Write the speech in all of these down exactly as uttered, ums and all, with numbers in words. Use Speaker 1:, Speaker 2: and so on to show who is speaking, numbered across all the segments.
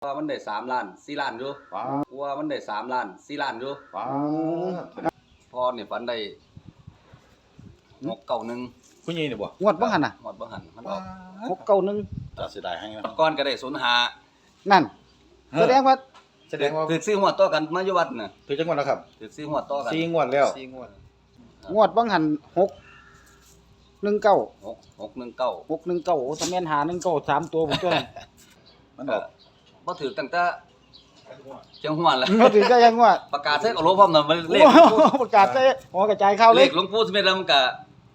Speaker 1: ว่ามันได้สามล้านสี่ล้านอยู่ว่ามันได้สามล้านสี่ล้านอยู่พอเนี่ยฝันได้หกเก้าหนึ่ง
Speaker 2: ผู้ใหญ่นี่บ่
Speaker 3: งวดบ่หันน่ะ
Speaker 1: หมดบ่หันมันออก
Speaker 3: หกเก้าหนึ่ง
Speaker 2: จะเสียดายให้นะ
Speaker 1: ก้อนก็ได้ศูนย์ห้า
Speaker 3: นั่นแสดงว่า
Speaker 2: แสดงว่า
Speaker 1: ถือซื้อหัวต่อกันมาอยู่วัดน่ะ
Speaker 2: ถือจังหวัดแล้วครับ
Speaker 1: ถือซื้อหัวต่อกัน
Speaker 2: สี่งวดแล้ว
Speaker 1: สี่งวด
Speaker 3: งวดบ่หันหกหนึ่งเก้า
Speaker 1: หกหกหนึ่งเก้า
Speaker 3: หกหนึ่งเก้าโอ้ถ้าแม่นหาหนึ่งเก้าสามตัวผมตัวนั้น
Speaker 2: มันออก
Speaker 1: บ่ถือตั้งแต่เชียงหัวแล้ว
Speaker 3: บ่ถือก็ยังว่า
Speaker 1: ประกาศใส่กับโลพร้อมน่ะมันเลข
Speaker 3: ประกาศใส่หัวกระจายข่าวเล
Speaker 1: เลย ขหลวงปู่สิเม็ดแล้วมันก็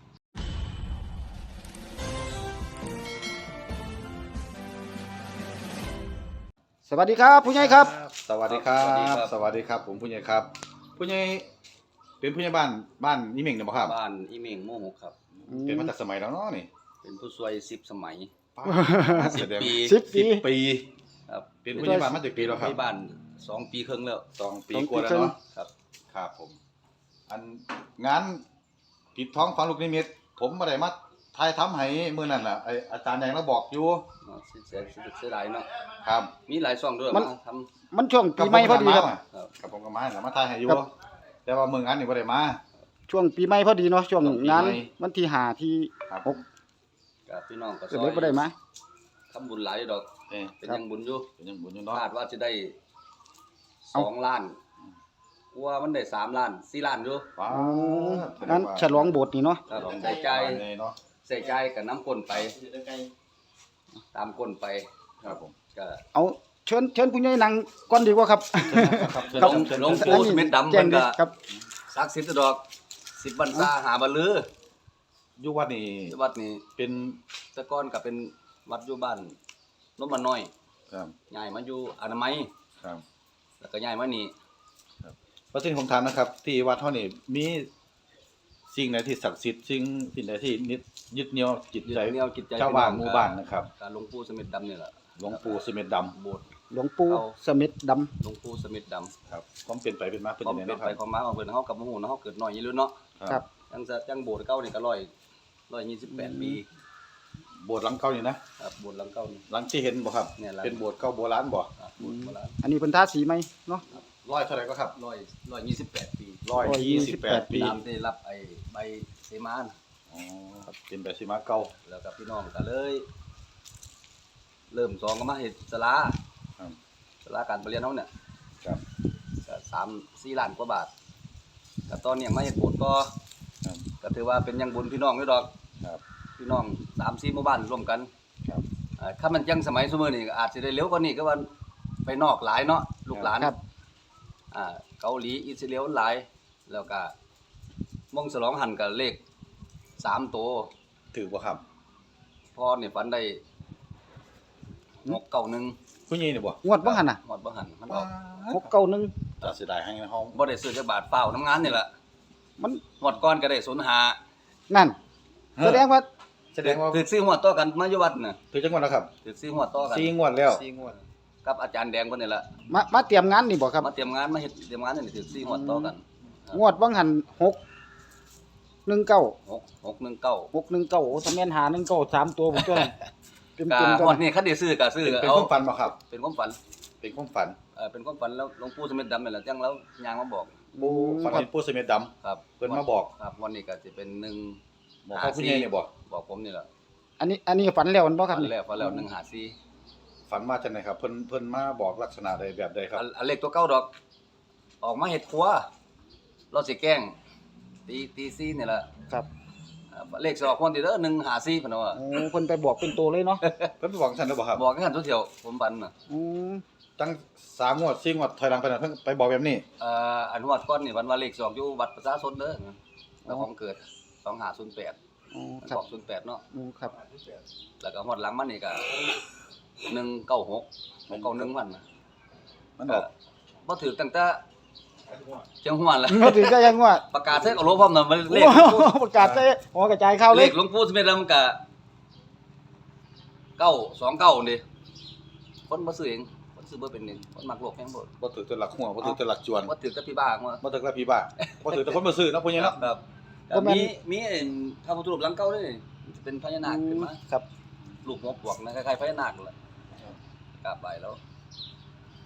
Speaker 3: สวัสดีครับผู้ใหญ่ครับ
Speaker 2: สวัสดีครับสวัสดีครับผมผู้ใหญ่ครับผู้ใหญ่เป็นผู้ใหญ่บ้านบ้านอีเม่งเนี่ยบ่ครับ
Speaker 1: บ้านอีเม่งโมหกครับ
Speaker 2: เป็นมาจากสมัยแล้วเนาะนี่
Speaker 1: เป็นผู้ช่วยสิบสมัย
Speaker 2: สิบปี
Speaker 3: สิบปี
Speaker 2: ปี
Speaker 1: ครับ
Speaker 2: เป็นผู้ใหญ่บ้านมาจากปีแล้วครับ
Speaker 1: ผู้ใหญ่บ้านสองปีครึ่งแล้ว
Speaker 2: สองปีกว่าแล้วเนาะ
Speaker 1: ครับ
Speaker 2: ครับผมอันงานปิดท้องฝังลูกนิมิตผมบ่ได้มาถ่ายทำให้มื้อนั้นน่ะไอ้อาจารย์แดงเราบอกอยู่
Speaker 1: สิเสียเสียหลายเนาะ
Speaker 2: ครับ
Speaker 1: มีหลายช่องด้วยมาทำ
Speaker 3: มันช่วงปีใหม่พอดีครับ
Speaker 2: กับผมก็มาแล้วมาถ่ายให้อยู่แต่ว่ามื้องานนี่บ่ได้มา
Speaker 3: ช่วงปีใหม่พอดีเนาะช่วงงานวันที่ห้าที่หก
Speaker 1: กับพี่น้องก็ซอย
Speaker 3: ก็เลยบ่ได้มา
Speaker 1: ทำบุญหลายดอกเป็นยังบุญอยู่
Speaker 2: เป็นยังบุญอยู่เนาะ
Speaker 1: คาดว่าจะได้สองล้านว่ามันได้สามล้านสี่ล้านอยู่
Speaker 3: อ๋องั้นฉลองโบสถ์นี่เนาะ
Speaker 1: ใส่ใจ
Speaker 2: เนาะ
Speaker 1: ใส่ใจกับน้ำก้นไปตามก้นไป
Speaker 2: ครับผม
Speaker 1: ก็
Speaker 3: เอาเชิญเชิญผู้ใหญ่นั่งก่อนดีกว่าครับ
Speaker 1: ครับหลวงปู่เม็ดดำเพิ่นก็ศักดิ์สิทธิ์ดอกสิบบรรษาหาบ่ลือ
Speaker 2: อยู่วัดนี่
Speaker 1: วัดนี่
Speaker 2: เป็น
Speaker 1: แต่ก่อนก็เป็นวัดอยู่บ้านนมน้อย
Speaker 2: ครับ
Speaker 1: ย้ายมาอยู่อนามัย
Speaker 2: ครับ
Speaker 1: แล้วก็ย้ายมานี่
Speaker 2: ครับเพราะฉะนั้นผมถามนะครับที่วัดเฮานี่มีสิ่งใดที่ศักดิ์สิทธิ์สิ่งสิ่งใดที่ยึดเหนี่ยวจิตใจชาวบ้านหมู่บ้านนะครับ
Speaker 1: การหลวงปู่เสม็ดดำนี่แหละ
Speaker 2: หลวงปู่เสม็ดดำ
Speaker 1: โบสถ์
Speaker 3: หลวงปู่เสม็ดดำ
Speaker 1: หลวงปู่เสม็ดดำ
Speaker 2: ครับความเป็นไปเป็นมาเป็น
Speaker 1: จังได๋เนาะความเป็นไปความมาของเพิ่นเฮากับบ่ฮู้เนาะเฮาเกิดน้อยอยู่แล้วเนาะ
Speaker 3: ครับ
Speaker 1: จังจังโบสถ์เก่านี่ก็ร้อยร้อยยี่สิบแปดปี
Speaker 2: โบสถ์หลังเก่านี่นะครับ
Speaker 1: โบสถ์หลังเก่านี่
Speaker 2: หลังที่เห็นบ่ครับเป็นโบสถ์เก่าโบราณบ่
Speaker 1: โบสถ์โบราณ
Speaker 3: อันนี้เพิ่นทาสีใหม่เนาะ
Speaker 2: ร้อยเท่าไหร่ก็ครับ
Speaker 1: ร้อยร้อยยี่สิบแปดปี
Speaker 2: ร้อยยี่สิบแปดปี
Speaker 1: ตามได้รับไอ้ใบเสมา
Speaker 2: อ๋อครับเป็นใบเสมาเก่า
Speaker 1: แล้วก็พี่น้องก็เลยเริ่มสองก็มาเฮ็ดศาลา
Speaker 2: ครับ
Speaker 1: ศาลาการประเรียนเฮาเนี่ย
Speaker 2: ครับ
Speaker 1: ก็สาม สี่ล้านกว่าบาทก็ตอนนี้มาเฮ็ดโบสถ์ก็
Speaker 2: ครับ
Speaker 1: ก็ถือว่าเป็นยังบุญพี่น้องอยู่ดอก
Speaker 2: ครับ
Speaker 1: พี่น้องสาม สี่หมู่บ้านร่วมกัน
Speaker 2: ครับ
Speaker 1: อ่าถ้ามันยังสมัยซุมื้อนี้ก็อาจสิได้เร็วกว่านี้ก็ว่าไปนอกหลายเนาะลูกหลาน
Speaker 3: ครับ
Speaker 1: อ่าเกาหลีอิสราเอลหลายแล้วก็มงฉลองหันก็เลขสามตัว
Speaker 2: ถือบ่ครับ
Speaker 1: พอนี่ฝันได้หกเก้าหนึ่ง
Speaker 2: ผู้ใหญ่นี่บ่
Speaker 3: งวดบ่หันน่ะ
Speaker 1: งวดบ่หันมันออก
Speaker 3: หกเก้าหนึ่ง
Speaker 2: จะเสียดายให้นะฮ้อง
Speaker 1: บ่ได้ซื้อจักบาทเปล่าน้ำงานนี่แหละ
Speaker 3: มัน
Speaker 1: งวดก่อนก็ได้ศูนย์ห้า
Speaker 3: นั่นแสดงว่า
Speaker 2: แสดงว่า
Speaker 1: ถือซื้อหัวต่อกันมาอยู่วัดน่ะ
Speaker 2: ถือจังหวัดแล้วครับ
Speaker 1: ถือซื้อหัวต่อกัน
Speaker 2: สี่งวดแล้ว
Speaker 1: สี่งวดกับอาจารย์แดงเพิ่นนี่แหละ
Speaker 3: มามาเตรียมงานนี่บ่ครับ
Speaker 1: มาเตรียมงานมาเฮ็ดเตรียมงานนี่ถือซื้อหัวต่อกัน
Speaker 3: งวดบ่หันหกหนึ่งเก้า
Speaker 1: หก หกหนึ่งเก้า
Speaker 3: หกหนึ่งเก้าโอ้ถ้าแม่นหาหนึ่งเก้าสามตัวผมตัวนั้น
Speaker 1: เต็มๆงวดนี้คันได้ซื้อก็ซื้อ
Speaker 2: เป็นความฝันบ่ครับ
Speaker 1: เป็นความฝัน
Speaker 2: เป็นความฝัน
Speaker 1: เออเป็นความฝันแล้วหลวงปู่เสม็ดดำนี่แหละจังแล้วย่างมาบอก
Speaker 2: ปู่ฝันเห็นปู่เสม็ดดำ
Speaker 1: ครับ
Speaker 2: เพิ่นมาบอก
Speaker 1: ครับวันนี้ก็สิเป็นหนึ่ง
Speaker 2: บอกเขาผู้ใหญ่นี่บ่
Speaker 1: บอกผมนี่แหละ
Speaker 3: อันนี้อันนี้ฝันแล้วมันบ่ครับ
Speaker 1: นี่ฝันแล้วฝันแล้วหนึ่งห้าสี่
Speaker 2: ฝันมาจังได๋ครับเพิ่นเพิ่นมาบอกลักษณะใดแบบใดครับ
Speaker 1: อันเลขตัวเก่าดอกออกมาเฮ็ดครัวเราสิแกล้งตีตีสี่นี่แหละ
Speaker 3: ครับ
Speaker 1: เลขสองคนที่เด้อหนึ่งห้าสี่เพิ่นว่า
Speaker 3: โอ้เพิ่นไปบอกเป็นตัวเลยเนาะ
Speaker 2: เพิ่นไปบอกซั่นแล้วบ่ครับ
Speaker 1: บอกกันทุกเที่ยวผมฝันน่ะ
Speaker 3: อือ
Speaker 2: ตั้งสามงวดสี่งวดถอยหลังไปนั่นเพิ่นไปบอกแบบนี้
Speaker 1: เอ่ออันงวดก่อนนี่วันว่าเลขสองอยู่วัดประชาชนเด้อแล้วของเกิดสองห้าศูนย์แปด
Speaker 3: อ๋อ
Speaker 1: ครับศูนย์แปดเนาะ
Speaker 3: อือครับ
Speaker 1: แล้วก็ฮอดหลังมันนี่ก็หนึ่งเก้าหก หกเก้าหนึ่งมันน่ะ
Speaker 2: มันออก
Speaker 1: บ่ถือตั้งแต่เชียงหัวแล้ว
Speaker 3: บ่ถือก็ยังว่า
Speaker 1: ประกาศใส่กับโลพร้อมน่ะมันเลข
Speaker 3: ประกาศใส่หัวกระจายข่าว
Speaker 1: เลขหลวงปู่เสม็ดแล้วมันก็เก้า สองเก้านี่คนบ่ซื้อเองคนซื้อบ่เป็นเองคนมักโลกแฮงบ่
Speaker 2: บ่ถือแต่หลักหัวบ่ถือแต่หลักจวน
Speaker 1: บ่ถือแต่พี่บ้าว่า
Speaker 2: บ่ถือแต่พี่บ้าบ่ถือแต่คนบ่ซื้อเนาะพุ่นนี่เนาะ
Speaker 1: ครับก็มีมีพระพุทธรูปหลังเก่าด้วยเป็นพญานาคขึ้นมา
Speaker 3: ครับ
Speaker 1: รูปหัวปวกนะคล้ายๆพญานาคนั่นแหละกราบไหว้แล้ว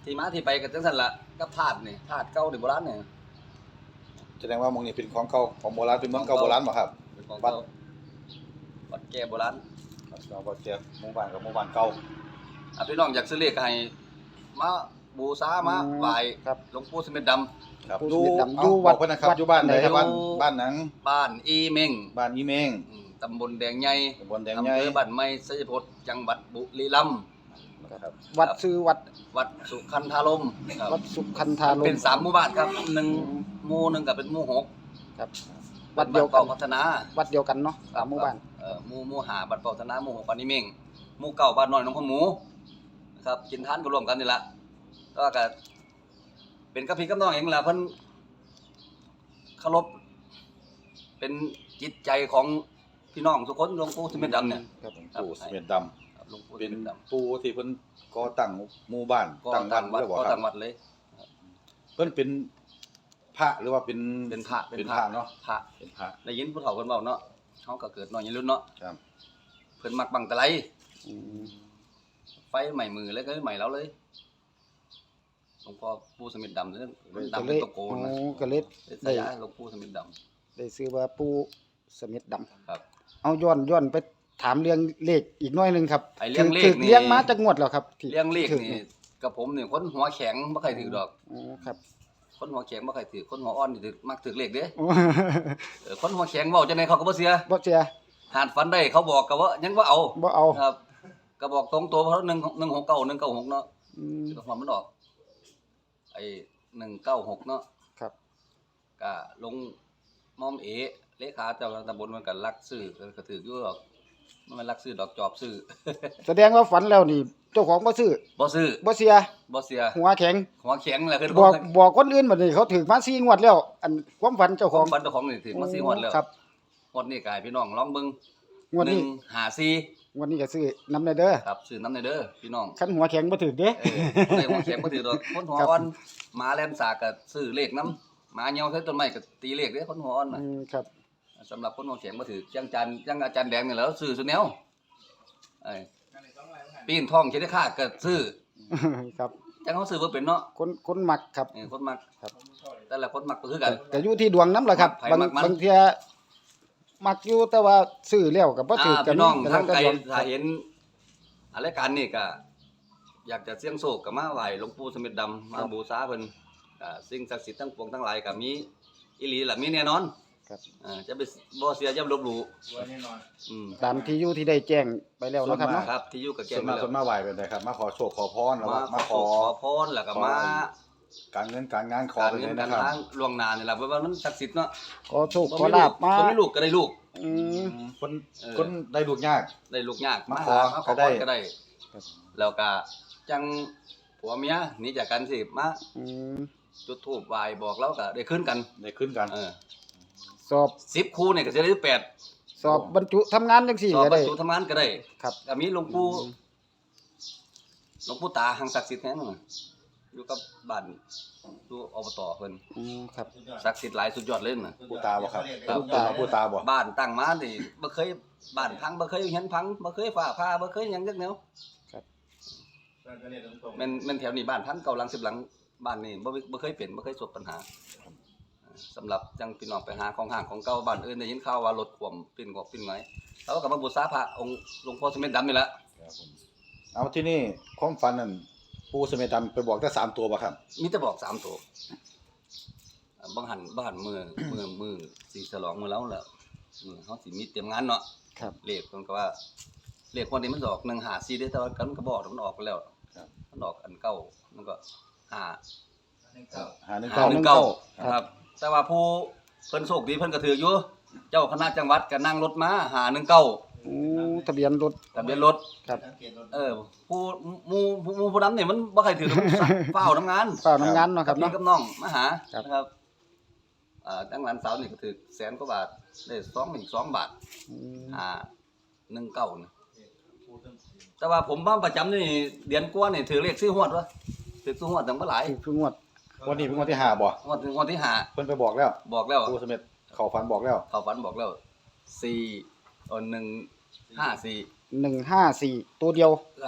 Speaker 1: ที่มาที่ไปก็จังซั่นล่ะกับธาตุนี่ธาตุเก่านี่โบราณนี่
Speaker 2: แสดงว่าหมองนี้เป็นของเก่าของโบราณเป็นเมืองเก่าโบราณบ่ครับ
Speaker 1: เป็นของเก่าวัดแก่โบราณ
Speaker 2: ครับเราบ่เจอหมู่บ้านกับหมู่บ้านเก่า
Speaker 1: อ่ะพี่น้องอยากซื้อเลขก็ให้มาบูชามาไหว้
Speaker 3: ครับ
Speaker 1: หลวงปู่สมิทดำ
Speaker 2: ครับ
Speaker 3: ผู้
Speaker 2: อยู่
Speaker 3: ชีวิตดำ
Speaker 2: เอา
Speaker 3: อยู่
Speaker 2: บ
Speaker 3: วั
Speaker 2: อ
Speaker 3: ด
Speaker 2: กเพิ่นนะครับ
Speaker 3: วัด
Speaker 2: อยู่บ้านใด
Speaker 3: ไหนครับ
Speaker 2: บ้านบ้านหนัง
Speaker 1: บ้านอีเม้ง
Speaker 2: บ้านอีเมง
Speaker 1: อืมตำบลแดงใหญ่
Speaker 2: ตำบลแดง
Speaker 1: อำ
Speaker 2: ใหญ่
Speaker 1: เภอบ้านไม้ชัยพจน์จังหวัดบุรีรัมย์
Speaker 2: ครับ
Speaker 3: วัดซื้อวัด
Speaker 1: วัดสุขันธารมครับ
Speaker 3: วัดสุขันธารม
Speaker 1: เป็นสามหมู่บ้านครับหนึ่งหมู่หนึ่งก็เป็นหมู่หก
Speaker 3: ครับ วัดเดียวกัน
Speaker 1: บ้าเป่าพัฒนา
Speaker 3: วัดเดียวกันเนาะสามหมู่บ้าน
Speaker 1: เอ่อหมู่หมู่หาบ้านเป่าพัฒนาหมู่หกบ้านอีเม้งหมู่เก่าบ้านน้อยหนองขมูนะครับกินทานก็ร่วมกันนี่ล่ะก็ก็เป็นกับพี่กับน้องเองล่ะเพิ่นเคารพเป็นจิตใจของพี่น้องทุกคนหลวงปู่สมิทดำเนี่ย
Speaker 3: ครับ
Speaker 2: ปู่เสม็ดดำ
Speaker 1: ครับหลวงปู่ส
Speaker 2: เป็น
Speaker 1: มิทดำ
Speaker 2: ปู่ที่เพิ่นก่อตั้งหมู่บ้าน
Speaker 1: ก็
Speaker 2: ตั้งวั
Speaker 1: ตั้
Speaker 2: ด
Speaker 1: งวัด
Speaker 2: แล้วบ่
Speaker 1: ก็
Speaker 2: ครั
Speaker 1: ตั้
Speaker 2: บ
Speaker 1: งวัดเลย
Speaker 2: เพิ่นเป็นพระหรือว่าเป็น
Speaker 1: เป็นพระ
Speaker 2: เป็นพระเนาะ
Speaker 1: พระ
Speaker 2: เป็นพระ
Speaker 1: ได้ยินผู้เฒ่าเพิ่นเว้าเนาะเฮาก็เกิดน้อยอยู่รุ่นเนาะ
Speaker 2: ครับ
Speaker 1: เพิ่นมักบังตะไล
Speaker 3: อืม
Speaker 1: ไฟใหม่มือแล้วก็ใหม่แล้วเลยหลวงพ่อปู่สมิทดำเรื่องมัน
Speaker 3: ก็
Speaker 1: ดำ
Speaker 3: เล
Speaker 1: เป็น
Speaker 3: ย
Speaker 1: ตะโกน
Speaker 3: โอ้
Speaker 1: นะ
Speaker 3: ก็เลย
Speaker 1: เป็น
Speaker 3: ได้
Speaker 1: สายาหลวงปู่สมิทดำ
Speaker 3: ได้ซื้อว่าปู่สมิทดำ
Speaker 1: ครับ
Speaker 3: เอาย้อนย้อนไปถามเรื่องเลขอีกหน้อยหนึงครับ
Speaker 1: ไอ้เรื่องเลข
Speaker 3: ถื
Speaker 1: นี่
Speaker 3: เลี้ยงมาจากงวดแล้วครับที่
Speaker 1: เรื่องเลข
Speaker 3: ถือ
Speaker 1: นี่กับผมนี่คนหัวแข็งบ่ใครถือดอก
Speaker 3: อ๋อครับ
Speaker 1: คนหัวแข็งบ่ใครถือคนหัวอ่อนนี่ถือมักถือเลขเด้
Speaker 3: โอ้
Speaker 1: เออคนหัวแข็งเว้าจังได๋เขาก็บ่เสีย
Speaker 3: บ่เสีย
Speaker 1: หาดฝันได้เขาบอกก็ว่ายังบ่เอา
Speaker 3: บ่เอา
Speaker 1: ครับก็บอกตรงตัวเพราะหนึ่งหนึ่งหกเก้าหนึ่งเก้าหกเนาะ
Speaker 3: อืม
Speaker 1: ก็ความมันออกไอ้หนึ่งเก้าหกเนาะ
Speaker 3: ครับ
Speaker 1: ก็ลงมอมเอเลขาเจ้าตำบลมันก็รักซื้อก็ถืออยู่หรอกมันไม่รักซื้อดอกจอบซื้อ
Speaker 3: แสดงว่าฝันแล้วนี่ เจ้าของบ่ซื้อ
Speaker 1: บ่ซื้อ
Speaker 3: บ่เสีย
Speaker 1: บ่เสีย
Speaker 3: หัวแข็ง
Speaker 1: หัวแข็งแหละคือ
Speaker 3: บอกบอกคนอื่นบัดนี้เขาถือมาสี่งวดแล้ว อันความฝันเจ้า
Speaker 1: ข
Speaker 3: ข
Speaker 1: อ
Speaker 3: อง ง
Speaker 1: ฟันเจ้าของนี่ถือมาสี่งวดแล้ว
Speaker 3: ครับ
Speaker 1: งวดนี้กายพี่น้องลองเบิ่ง
Speaker 3: งวดนี้
Speaker 1: หนึ่งห้าสี่
Speaker 3: งวดนี้ก็ซื้อน้ำในเด้อ
Speaker 1: ครับซื้อน้ำในเด้อพี่น้อง
Speaker 3: คันหัวแข็งบ่ถือเด้
Speaker 1: เออบ่ได้หัวแข็งบ่ถือดอกคนหัว
Speaker 3: ครับ
Speaker 1: อ่อนหมาแล่นสากก็ซื้อเลขนํหมาเหี่ยวใส่ต้นไม้ก็ตีเลขเด้คนหัวอ่อนน่ะ
Speaker 3: อืมครับ
Speaker 1: สำหรับคนหัวแข็งบ่ถือจังจันจังอาจารย์แดงนี่แหล้วซื้อซุแนวไอ้ปีนทองคิดได้ค่าก็ซื้อ
Speaker 3: ครับ
Speaker 1: จังเขาซื้อบ่เป็นเนาะ
Speaker 3: คนคนมักครับ
Speaker 1: เออคนมัก
Speaker 3: ครับ
Speaker 1: แต่ละคนมักบ่คือกัน
Speaker 3: ก็อยู่ที่ดวงน้ำล่ะครับ
Speaker 1: มักไผ
Speaker 3: บาง
Speaker 1: มักมัน
Speaker 3: บางเที่ยมักอยู่แต่ว่าซื้อแล้วก็บ่ถือ
Speaker 1: อ่า
Speaker 3: กัน
Speaker 1: พี่น้อง
Speaker 3: แต่
Speaker 1: ทาง
Speaker 3: แต่
Speaker 1: ไกล
Speaker 3: ดวง
Speaker 1: ถ้าเห็นอะไรายการนี่ก็อยากจะเสี่ยงโชคก็มาไหว้หลวงปู่สมิทดำมาบูชาเพิ่นอ่าสิ่งศักดิ์สิทธิ์ทั้งปวงทั้งหลายก็มีอีหลีล่ะมีแน่นอน
Speaker 3: ครับ
Speaker 1: อ่าจะไปบ่เสียอย่าลบหลู่อืม
Speaker 3: ตามที่อยู่ที่ได้แจ้งไปแล้วเนาะครับเนาะ
Speaker 1: ครับที่อยู่กับแก
Speaker 2: ส่วน
Speaker 1: ไป
Speaker 2: มาก
Speaker 1: แล้
Speaker 2: ส่
Speaker 1: ว
Speaker 2: วนมากไหว้เป็นไดครับ มาขอโชคขอพรแล้ว
Speaker 1: มา
Speaker 2: มา
Speaker 1: ข
Speaker 2: ข
Speaker 1: อ
Speaker 2: อ
Speaker 1: ขอพรแล้วก็มา
Speaker 2: การเงินการงานขอ
Speaker 1: การ
Speaker 2: ไป
Speaker 1: เงิ
Speaker 2: เล
Speaker 1: น
Speaker 2: ย
Speaker 1: การ
Speaker 2: นะครับ
Speaker 1: ทางล่วงหน้านี่ล่ะเพราะว่ามันศักดิ์สิทธิ์เนาะ
Speaker 3: ขอโชค
Speaker 1: บ่
Speaker 3: ขอ
Speaker 1: มี
Speaker 3: ลา
Speaker 1: ลู
Speaker 3: บ
Speaker 1: ก
Speaker 3: มา
Speaker 1: บ่มีลูกก็ได้ลูก
Speaker 3: อืม
Speaker 2: คน
Speaker 1: เออ
Speaker 2: คนได้ลูกยาก
Speaker 1: ได้ลูกยาก
Speaker 2: มา
Speaker 1: มา
Speaker 2: ขอ
Speaker 1: หามาข
Speaker 2: ก็
Speaker 1: อ
Speaker 2: ได้
Speaker 1: พรก็ได้
Speaker 3: ครับ
Speaker 1: แล้วก็จังผัวเมียหนีจากกันสิมา
Speaker 3: อืม
Speaker 1: จุดธูปไหว้บอกแล้วก็ได้ขึ้นกัน
Speaker 2: ได้ขึ้นกัน
Speaker 1: เออ
Speaker 3: สอบ
Speaker 1: สิบคู่นี่ก็จะได้แปด
Speaker 3: สอบบรรจุทำงานจังซี่
Speaker 1: สอบ
Speaker 3: ก็
Speaker 1: บร
Speaker 3: ได้
Speaker 1: รจุทำงานก็ได้
Speaker 3: ครับ
Speaker 1: ก็มีหลวงปู่หลวงปู่ตาหังศักดิ์สิทธิ์แท้นึงอยู่กับบ้านอยู่อบตเพิ่น
Speaker 3: อืมครับ
Speaker 1: ศักดิ์สิทธิ์หลายสุดยอดเลยน่ะ
Speaker 2: ผู้ตาบ่ครับ
Speaker 1: ครับ
Speaker 2: ผู้ตาผู้ตาบ่
Speaker 1: บ้านตั้งมานี่บ่เคยบ้านพังบ่เคยเห็นพังบ่เคยฟ้าผ่าบ่เคยหยังจักแนว
Speaker 3: ครับ
Speaker 1: แม่นแม่นแถวนี้บ้านพังเก่าหลังสิบหลังบ้านนี่บ่บ่เคยเป็นบ่เคยประสบปัญหาสำหรับจังพี่น้องไปหาของห่างของเก่าบ้านอื่นได้ยินข่าวว่ารถท่วมปิ้นกอกปิ้นไงแล้วก็มาบูชาพระองค์หลวงพ่อสมเด็จดำนี่แหละ
Speaker 2: ครับผมเอาที่นี่ความฝันนั่นปู่เสม็ดดำไปบอกได้สามตัวบ่ครับ
Speaker 1: มีแต่บอกสามตัวอ่าบางหันบางหันมือมือมือสิฉลองมื้อแล้วแหละมือเฮาสิมีเตรียมงานเนาะ
Speaker 3: ครับ
Speaker 1: เลขเพิ่นก็ว่าเลขวันนี้มันออกหนึ่งห้าสี่เด้อแต่ว่ากันก็บอกมันออกไปแล้ว
Speaker 2: ครับ
Speaker 1: มันออกอันเก่ามันก็ห้า
Speaker 2: หาหนึ่ง
Speaker 1: ห้า
Speaker 2: เก้า
Speaker 1: หนึ่งเก้าครับ แต่ว่าผู้เพิ่นโชคดีเพิ่นก็ถืออยู่เจ้าคณะจังหวัดก็นั่งรถมาหาหนึ่งเก้า
Speaker 3: โอ้ทะเบียนรถ
Speaker 1: ทะเบียนรถ
Speaker 3: ครับ
Speaker 1: เออผู้หมู่ผู้หมู่ผู้นั้นนี่มันบ่ใครถือ เฝ้าทำงาน
Speaker 3: เปล่าน้ำงานเนาะครับ
Speaker 1: พี่
Speaker 3: เนาะ
Speaker 1: กับน้องมาหา
Speaker 3: ครับ
Speaker 1: นะครับอ่าจังหลานสาวนี่ก็ถือแสนกว่าบาทได้สองหนึ่งสองบาท
Speaker 3: อืม
Speaker 1: อ่าหนึ่งเก้านี่แต่ว่าผมบ้านประจำนี่เดือนกว่านี่ถือเลขซื้อหวดวะถือซื้อหวดตั้งบ่หลาย
Speaker 3: คือคืองวด
Speaker 2: วันนี้เป็นวันที่ห้าบ่
Speaker 1: หวดถึงวันที่ห้า
Speaker 2: เพิ่นไปบอกแล้ว
Speaker 1: บอกแล้ว
Speaker 2: ปู่เสม็ดเข้าฝันบอกแล้ว
Speaker 1: เขาฝันบอกแล้วสี่เออหนึ่งห้าสี่
Speaker 3: หนึ่งห้าสี่ตัวเดียว
Speaker 1: ครับ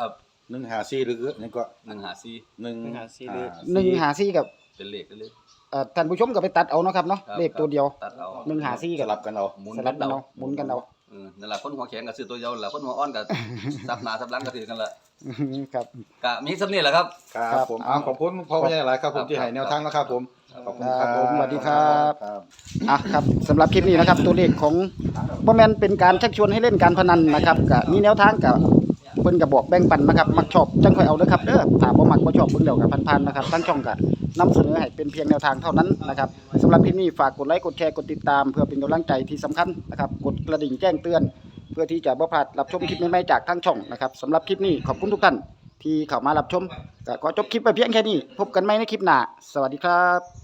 Speaker 2: หนึ่งห้าสี่หรือนี่ก็
Speaker 1: หนึ่งห้าสี่
Speaker 2: หนึ่ง
Speaker 4: หนึ่งห้าสี่หรือ
Speaker 3: หนึ่งห้าสี่กับ
Speaker 1: เป็นเลขได้เลย
Speaker 3: เอ่อท่านผู้ชมก็ไปตัดเอาเนาะครับเนาะ
Speaker 1: ครับ
Speaker 3: เลขตัวเดียว
Speaker 1: ตัดเอา
Speaker 3: หนึ่งห้าสี่
Speaker 2: ส
Speaker 3: กับ
Speaker 2: ลับกันเอา
Speaker 1: หมุน
Speaker 3: สลับกันเอาหมุนกันเอา
Speaker 1: เออนั่นล่ะคนหัวแข็งก็ซื้อตัวเดียวนั่นล่ะคนหัวอ่อนก็ ซับหน้าซับหลังก็ถือกันละ
Speaker 3: ครับ
Speaker 1: ก็มีสำนี้แหละครับ
Speaker 2: ครับผมเอาขอบคุณพ่อใหญ่หลายครับผมที่ให้แนวทางนะครับผมขอบคุณครับ
Speaker 3: ครับสวัสดีครับ
Speaker 2: ครับ
Speaker 3: อ่ะครับสำหรับคลิปนี้นะครับ ตัวเลขของบ่แม่นเป็นการชักชวนให้เล่นการพนันนะครับก็มีแนวทางกับเพิ่นก็บอกแบ่งปันนะครับมักชอบจังค่อยเอาเด้อครับเด้อถ้าบ่มักบ่ชอบเบิ่งแล้วก็ผ่านๆนะครับทั้งช่องก็นำเสนอให้เป็นเพียงแนวทางเท่านั้นนะครับสำหรับคลิปนี้ฝากกดไลค์กดแชร์กดติดตามเพื่อเป็นกำลังใจที่สำคัญนะครับกดกระดิ่งแจ้งเตือน เพื่อที่จะบ่พลาดรับชมคลิปใหม่ๆจากทางช่องนะครับสำหรับคลิปนี้ขอบคุณทุกท่านที่เข้ามารับชมก็ขอจบคลิปไปเพียงแค่นี้พบกันใหม่ในคลิปหน้าสวัสดีครับ